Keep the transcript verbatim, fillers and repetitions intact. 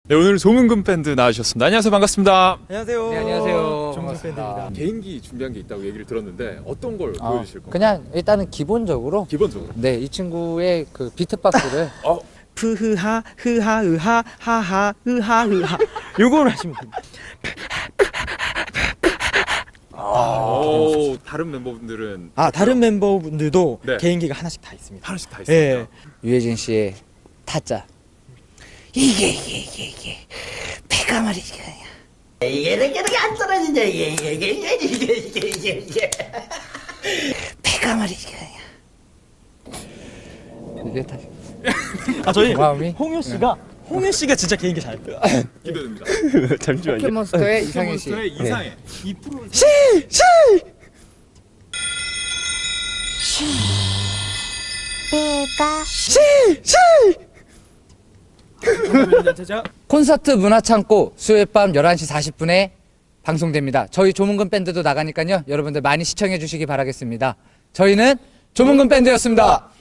네, 오늘 조문금 밴드 나와주셨습니다. 안녕하세요, 반갑습니다. 안녕하세요. 네, 안녕하세요. 조문금 밴드입니다. 개인기 준비한 게 있다고 얘기를 들었는데 어떤 걸 아, 보여주실 건가요? 그냥 일단은 기본적으로 기본적으로. 네, 이 친구의 그 비트박스를 어, 프흐하 흐하 으하 하하 으하 으하 요걸 하시면 됩니다. 오, 다른 멤버분들은 아 다른 멤버분들도 네. 개인기가 하나씩 다 있습니다. 하나씩 다 있습니다. 예. 유해진 씨의 타짜. 이게 이게 이게 이게 배가 말이지 그냥 이게 이렇게 이렇게 안 떨어지냐 이게 이게 이게 이게 이게 이게 이게 이게 배가 말이지 그냥 이게 다. 아 저희 마음이? 홍효 씨가 홍효 씨가 진짜 개인기 잘 해요. 기대됩니다. 잠시만요. 포켓몬스터의 이상현 씨. 몬스터의 이상해. 이 프로 콘서트 문화창고 수요일 밤 열한 시 사십 분에 방송됩니다. 저희 조문근 밴드도 나가니까요. 여러분들 많이 시청해 주시기 바라겠습니다. 저희는 조문근 밴드였습니다.